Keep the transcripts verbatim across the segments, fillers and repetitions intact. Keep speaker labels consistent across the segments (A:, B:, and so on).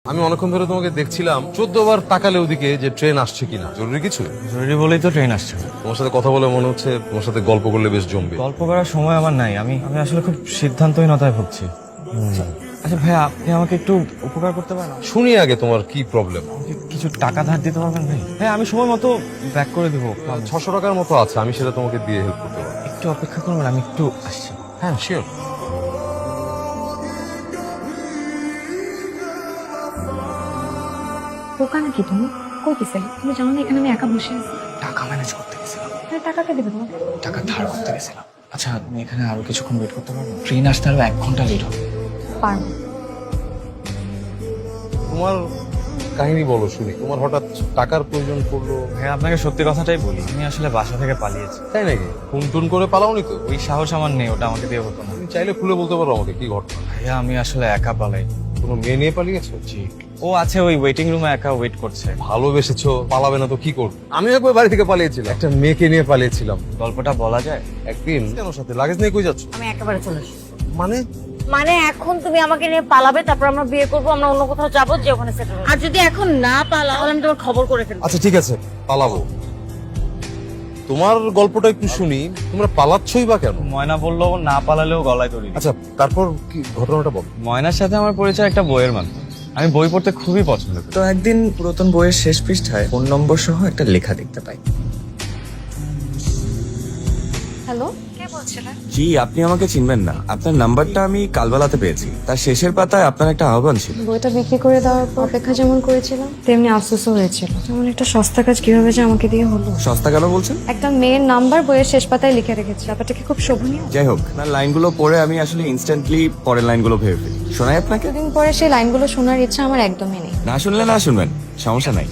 A: আমি অনেকক্ষণ ধরে তোমাকে দেখছিলাম, চোদ্দ বার তাকালে ওদিকে যে ট্রেন আসছে কিনা। জরুরি কিছু?
B: জরুরি বলেই তো ট্রেন আসছে।
A: তোমার সাথে কথা বলে মনে হচ্ছে তোমার সাথে গল্প করলে বেশ জমবে।
B: গল্প করার সময় আমার নাই, আমি আমি আসলে খুব সিদ্ধান্তহীনতায় ভুগছি। আচ্ছা ভাইয়া, আপনি আমাকে একটু উপকার করতে পারেন?
A: শুনি আগে তোমার কি প্রবলেম।
B: আমাকে কিছু টাকা ধার দিতে পারবেন ভাই? হ্যাঁ, আমি সময় মতো ব্যাক করে দিব।
A: ছশো টাকার মতো আছে, আমি সেটা তোমাকে দিয়ে হেল্প করতে পারবো।
B: একটু অপেক্ষা করবেন, আমি একটু আসছি।
A: হ্যাঁ শিওর।
C: বোকা নাকি তুমি? কই গেছিলে? তুমি জানো না এখানে আমি একা বসে আছি?
B: টাকা ম্যানেজ করতে গেছিলাম।
C: তাহলে টাকা কে দেবে তোমাকে?
B: টাকা ধার করতে গেছিলাম। আচ্ছা, আপনি এখানে আরো কিছুক্ষণ ওয়েট করতে পারবেন? ট্রেন আসতে আরো এক ঘন্টা লেট হবে।
C: পারবো।
A: তোমার কাহিনী বলো শুনি। তোমার হঠাৎ টাকার প্রয়োজন পড়লো?
B: হ্যাঁ, আপনাকে সত্যি কথাটাই বলি, আমি আসলে বাসা থেকে পালিয়েছি।
A: তাই নাকি? ফোন টোন করে পালাওনি তো?
B: ওই সাহস আমার নেই, ওটা আমাকে দিয়ে হতো না।
A: তুমি চাইলে খুলে বলতে পারো আমাকে কি ঘটনা।
B: ভাইয়া, আমি আসলে একা পালাই।
A: কোনো মেয়ে নিয়ে পালিয়েছো?
B: জি, ও আছে ওই ওয়েটিং রুমে একা ওয়েট করছে।
A: ভালোবেসেছো, পালাবে না তো কি করবে? আমি একবার বাড়ি থেকে পালিয়েছিলাম, একটা মেয়েকে নিয়ে পালিয়েছিলাম।
B: গল্পটা বলা যায়?
A: একদিন কেন সাথে লাগেজ নিয়ে কই যাচ্ছ?
D: আমি একেবারে চলে আসি।
A: মানে
D: মানে এখন তুমি আমাকে নিয়ে পালাবে, তারপর আমরা বিয়ে করবো, আমরা অন্য কোথাও যাবো, যে ওখানে সেটেল। আর যদি এখন না পালাও তাহলে আমি তোমার খবর করে ফেলবো।
A: আচ্ছা ঠিক আছে, পালাবো। তোমার গল্পটা একটু শুনি। তোমরা পালাচ্ছই বা কেন?
B: ময়না বললো না পালালেও গলায় দড়ি দিবে।
A: আচ্ছা তারপর কি ঘটনাটা বল।
B: ময়নার সাথে আমার পরিচয় একটা বইয়ের মাধ্যমে। আমি বই পড়তে খুবই পছন্দ করি।
E: তো একদিন পুরাতন বইয়ের শেষ পৃষ্ঠায় ফোন নম্বর সহ একটা লেখা দেখতে পাই।
C: হ্যালো, কে বলছিলেন?
E: জি, আপনি আমাকে চিনবেন না। আপনার নাম্বারটা আমি কালবেলাতে পেয়েছি। তার শেষের পাতায় আপনার একটা আহ্বান ছিল।
C: বইটা বিক্রি করে দেওয়ার পর অপেক্ষা যেমন করেছিলাম তেমনি আফসোসও হয়েছিল। যেমন একটা সস্তা কাজ কিভাবে যে আমাকে দিয়ে হলো।
E: সস্তা কেন বলছেন?
C: একটা মেয়ের নাম্বার বইয়ের শেষ পাতায় লিখে রেখেছে। ব্যাপারটা কি খুব শোভনীয়?
E: যাই হোক, আপনার লাইনগুলো পড়ে আমি আসলে ইনস্ট্যান্টলি পরের লাইনগুলো ভেবে ফেলি। শোনাই আপনাকে?
C: দুদিন পরে সেই লাইনগুলো শোনার ইচ্ছা আমার একদমই নেই।
E: না শুনলে না শুনবেন, সমস্যা নাই।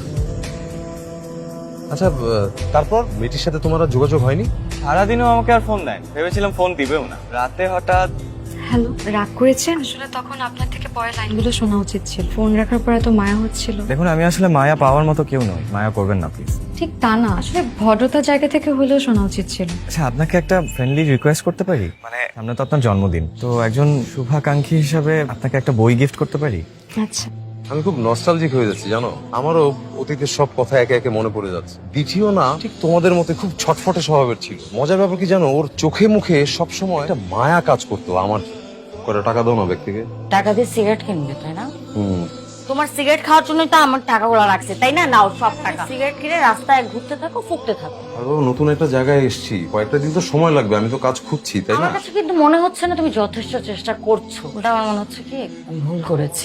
A: আচ্ছা আহ, তারপর মেয়েটির সাথে তোমার আর যোগাযোগ হয়নি?
B: সারাদিনও আমাকে আর ফোন দেয়, ভেবেছিলাম ফোন দিবেও না। রাতে হঠাৎ
C: হ্যালো, রাগ করেছেন? আসলে তখন আপনার থেকে পরে লাইনগুলো শোনা উচিত ছিল। ফোন রাখার পর এত মায়া হচ্ছিল।
B: দেখুন, আমি আসলে মায়া পাওয়ার মতো কেউ নই, মায়া করবেন না প্লিজ।
C: ঠিক তা না, আসলে ভদ্রতার জায়গা থেকে হলেও শোনা উচিত ছিল।
B: আচ্ছা, আপনাকে একটা ফ্রেন্ডলি রিকোয়েস্ট করতে পারি? মানে সামনে তো আপনার জন্মদিন, তো একজন শুভাকাঙ্ক্ষী হিসাবে আপনাকে একটা বই গিফট করতে পারি?
C: আচ্ছা,
A: আমি খুব নস্টালজিক হয়ে যাচ্ছি জানো। আমারও অতীতের সব কথা একে একে মনে পড়ে যাচ্ছে। দ্বিতীয় না ঠিক তোমাদের মতো খুব ছটফটে স্বভাবের ছিল। মজার ব্যাপার কি জানো, ওর চোখে মুখে সবসময় একটা মায়া কাজ করতো আমার। কয়টা টাকা দাও না ব্যক্তিকে।
D: টাকা দিয়ে সিগারেট কিনবে, তাই না?
A: হুম।
D: তোমার সিগারেট খাওয়ার জন্যই তো আমার টাকাগুলো রাখছে, তাই না? নাও সব টাকা। সিগারেট কিনে রাস্তায় ঘুরতে থাকো, ফুকতে থাকো।
A: আরো নতুন একটা জায়গায় এসেছি, কয়েকটা দিন তো সময় লাগবে। আমি তো কাজ খুঁজছি, তাই না?
D: আমার কাছে কিন্তু মনে হচ্ছে না তুমি যথেষ্ট চেষ্টা করছো। ওটা আমার মনে হচ্ছে কি আমি ভুল করেছি।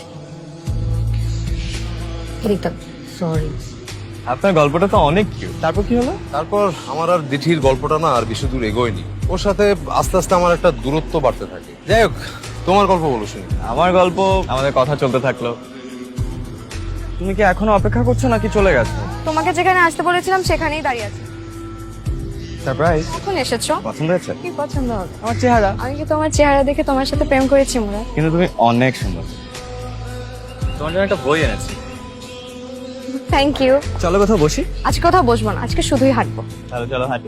D: সরি।
B: আপনার গল্পটা তো অনেক কিউট। তারপর কি হলো?
A: তারপর আমার আর দিঠির গল্পটা না আর বেশি দূর এগোয়নি। ওর সাথে আস্তে আস্তে আমার একটা দূরত্ব বাড়তে থাকে। যাই হোক, তোমার গল্প বলো শুনি।
B: আমার গল্প, আমাদের কথা চলতে থাকলো। তুমি কি এখনো অপেক্ষা করছো নাকি চলে গেছো?
C: তোমাকে যেখানে আসতে বলেছিলাম সেখানেই দাঁড়িয়ে আছি।
B: সারপ্রাইজ।
C: এখন এসেছো?
B: পছন্দ হয়েছে?
C: কি পছন্দ হবে?
B: আমার চেহারা।
C: আমি কি তোমার চেহারা দেখে তোমার সাথে প্রেম করেছি মোরা?
B: কিন্তু তুমি অনেক সুন্দর। তোমার জন্য একটা বই এনেছি।
C: Thank you.
B: চলো কোথাও বসি।
C: আজকে কোথাও বসবো না, আজকে শুধুই হাঁটবো।
B: চলো চলো হাঁটি।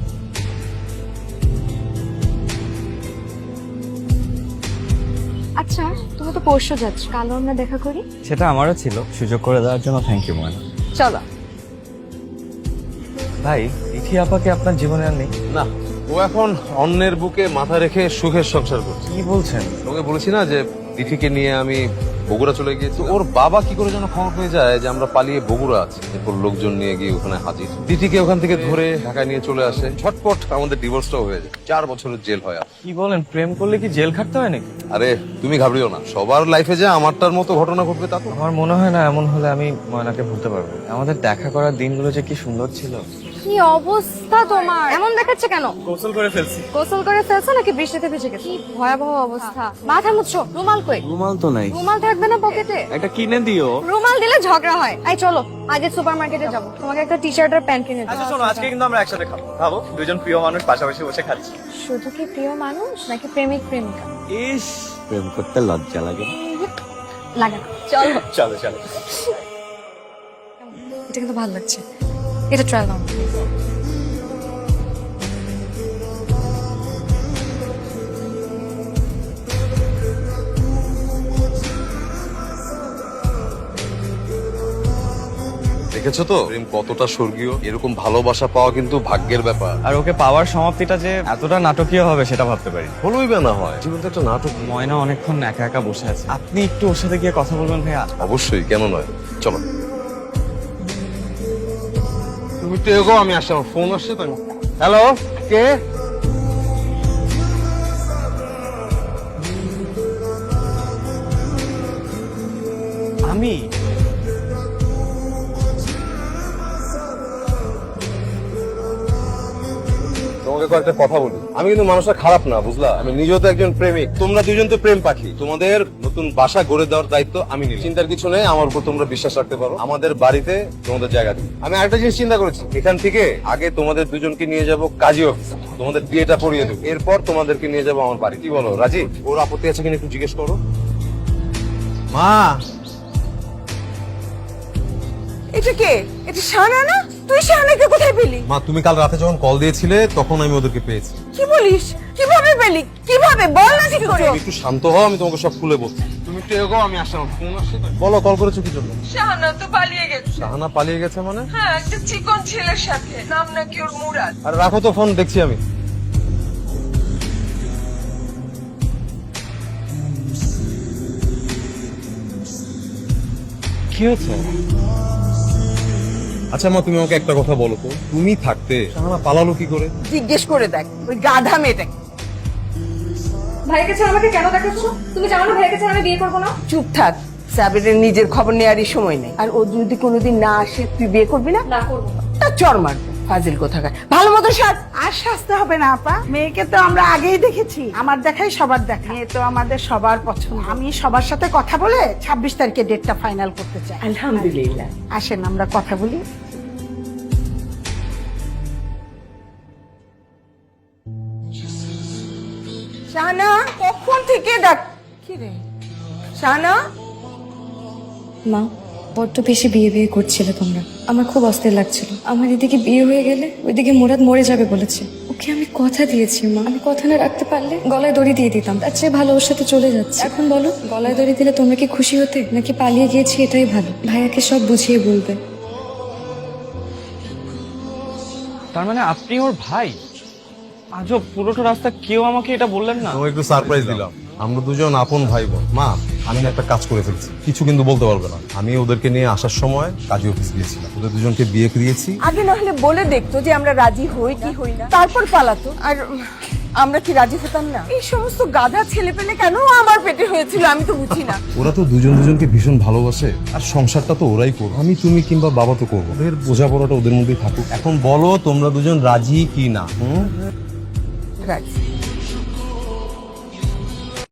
C: আচ্ছা, তুমি তো পরশু যাচ্ছ, কালও আমরা দেখা করি।
B: সেটা আমারও ছিল, সুযোগ করে দেওয়ার জন্য থ্যাংক ইউ ময়না।
C: চলো।
B: ভাই, ইথি আপাকে আপনার জীবনে আর নেই?
A: না, ও এখন অন্যের বুকে মাথা রেখে সুখের সংসার করছে।
B: কি বলছেন?
A: তোকে বলেছি না যে দিঠিকে নিয়ে আমি বগুড়া চলে গিয়েছি। ওর বাবা কি করে যেন খবর পেয়ে যায় যে আমরা পালিয়ে বগুড়া আছি। এরপর লোকজন নিয়ে গিয়ে ওখানে হাজির। দিঠিকে ওখান থেকে ধরে ঢাকায় নিয়ে চলে আসে। ছটপট আমাদের ডিভোর্সটাও হয়ে যায়। চার বছরের জেল হয়। আর
B: কি বলেন, প্রেম করলে কি জেল খাটতে হয় নাকি?
A: আরে তুমি ঘাবড়িও না, সবার লাইফে যে আমারটার মতো ঘটনা ঘটবে তা তো।
B: আমার মনে হয় না এমন হলে আমি ময়নাকে ভুলতে পারবো। আমাদের দেখা করার দিনগুলো যে কি সুন্দর ছিল।
C: কি অবস্থা তোমার? এমন দেখাচ্ছে কেন?
B: গোসল করে ফেলছি।
C: গোসল করে ফেলছো নাকি বৃষ্টিতে ভিজে গেছো? কি ভয়াবহ অবস্থা। মাথা মুছছো, রুমাল কই?
E: রুমাল তো নাই।
C: রুমাল থাকবে না পকেটে?
E: একটা কিনে দিও।
C: রুমাল দিলে ঝগড়া হয়। এই চলো, আজকে সুপার মার্কেটে যাবো, তোমাকে একটা টি শার্ট আর প্যান্ট কিনে
B: আচ্ছা
C: দেবো।
B: শোনো, আজকে কিন্তু আমরা একসাথে খাবো। খাবো দুজন প্রিয় মানুষ পাশাপাশি বসে খাচ্ছি।
C: শুধু কি প্রিয় মানুষ নাকি প্রেমিক প্রেমিকা?
E: ইস, প্রেম করতে লজ্জা লাগে।
C: লাগে না। চলো।
B: চলো চলো।
C: এটা কিন্তু ভালো লাগছে, এটা ট্রাই নাও।
A: দেখেছো তো প্রেম কতটা স্বর্গীয়। এরকম ভালোবাসা পাওয়া কিন্তু ভাগ্যের ব্যাপার।
B: আর ওকে পাওয়ার সমাপ্তিটা যে এতটা নাটকীয় হবে সেটা ভাবতে পারি।
A: হলোই বা না হয়, জীবন তো একটা নাটক।
B: ময়না অনেকক্ষণ একা একা বসে আছে, আপনি একটু ওর সাথে গিয়ে কথা বলবেন ভাইয়া।
A: অবশ্যই, কেন নয়, চলো। তুমি একটু এগো, আমি আসছি, আমার ফোন আসছে তো। হ্যালো, কে?
B: আমি
A: তোমাকে কয়েকটা কথা বলি। আমি কিন্তু মানুষটা খারাপ না, বুঝলা? আমি নিজেও তো একজন প্রেমিক। তোমরা দুজন তো প্রেম পাখি। তোমাদের নতুন বাসা গড়ে দেওয়ার দায়িত্ব আমি নিই। চিন্তার কিছু নেই, আমার উপর তোমরা বিশ্বাস রাখতে পারো। আমাদের বাড়িতে তোমাদের জায়গা দিই। আমি আরেকটা জিনিস চিন্তা করেছি, এখান থেকে আগে তোমাদের দুজনকে নিয়ে যাব কাজী অফিস, তোমাদের বিয়েটা পড়িয়ে দেবো। এরপর তোমাদেরকে নিয়ে যাবো আমার বাড়ি। কি বলো রাজি? ওর আপত্তি আছে কিনা একটু জিজ্ঞেস করো।
F: মা,
G: এটা কে? এটা শাহানা না? তুই শাহানাকে কোথায় পেলি?
A: মা, তুমি কাল রাতে যখন কল দিয়েছিলে তখন আমি ওদেরকে পেয়েছি।
G: কি বলিস? কিভাবে পেলি? কিভাবে বল না ঠিক করে।
A: তুমি একটু শান্ত হও, আমি তোমাকে সব খুলে বলছি। তুমি একটু এগো, আমি আসছি, আমার ফোন আসছে তো। বলো, কল করেছো কি জন্য?
F: শাহানা তো পালিয়ে গেছে।
A: শাহানা পালিয়ে গেছে মানে?
F: হ্যাঁ, একটা চিকন ছেলের সাথে, নাম নাকি ওর মুরাদ।
A: আর রাখো তো ফোন, দেখছি আমি।
B: কি হয়েছে?
A: আচ্ছা মা, তুমি আমাকে একটা কথা বলো তো, তুমি থাকতে শাহানা পালালো কি করে?
G: জিজ্ঞেস করে দেখ ওই গাধা মেয়েটাকে।
C: ভাইয়ের কাছে আমাকে কেন দেখাচ্ছ? তুমি জানো না ভাইয়ের কাছে আমি বিয়ে করবো না?
G: চুপ থাক, সাবিরের নিজের খবর নেওয়ারই সময় নেই। আর ও যদি কোনোদিন না আসে তুই বিয়ে করবি না?
C: না করবো না।
G: তার চর মারবো, ফাজিল কোথাকার। ভালো মতো সাজ।
H: আর সাজতে হবে না আপা, মেয়েকে তো আমরা আগেই দেখেছি। আমার দেখাই সবার দেখা, মেয়ে তো আমাদের সবার পছন্দ। আমি সবার সাথে কথা বলে ছাব্বিশ তারিখে ডেটটা ফাইনাল করতে চাই।
G: আলহামদুলিল্লাহ।
H: আসেন আমরা কথা বলি।
G: শাহানা, কখন থেকে ডাক। কি রে শাহানা?
C: মা, বড্ড বেশি বিয়ে বিয়ে করছিলে তোমরা। আমার খুব অস্থির লাগছিল। আমার এদিকে বিয়ে হয়ে গেলে ওইদিকে মুরাদ মরে যাবে বলেছে। ওকে আমি কথা দিয়েছি মা, আমি কথা না রাখতে পারলে গলায় দড়ি দিয়ে দিতাম। তার চেয়ে ভালো ওর সাথে চলে যাচ্ছে। এখন বলো, গলায় দড়ি দিলে তোমরা কি খুশি হতে, নাকি পালিয়ে গিয়েছি এটাই ভালো? ভাইয়াকে সব বুঝিয়ে বলবে।
B: তার মানে আপনি ওর ভাই? আজব, পুরোটা রাস্তা কেউ আমাকে এটা বললেন না।
A: তোমাকে একটু সারপ্রাইজ দিলাম। আমরা দুজন আপন ভাই বোন। মা, আমি না একটা কাজ করে ফেলছি, কিছু কিন্তু বলতে পারবে না। আমি ওদেরকে নিয়ে আসার সময় কাজী অফিস গিয়েছিলাম, ওদের দুজনকে বিয়ে দিয়েছি।
G: আগে না হলে বলে দেখতো যে আমরা রাজি হই কি হই না, তারপর পালাতো। আর আমরা কি রাজি হতাম না? এই সমস্ত গাধা ছেলে পেলে কেন আমার পেটে হয়েছিল আমি তো বুঝি না।
A: ওরা তো দুজন দুজনকে ভীষণ ভালোবাসে, আর সংসারটা তো ওরাই করবে। আমি, তুমি কিংবা বাবা তো করবো। ওদের বোঝাপড়াটা ওদের মধ্যেই থাকুক। এখন বলো তোমরা দুজন রাজি কি না? হুম?
G: রাজি।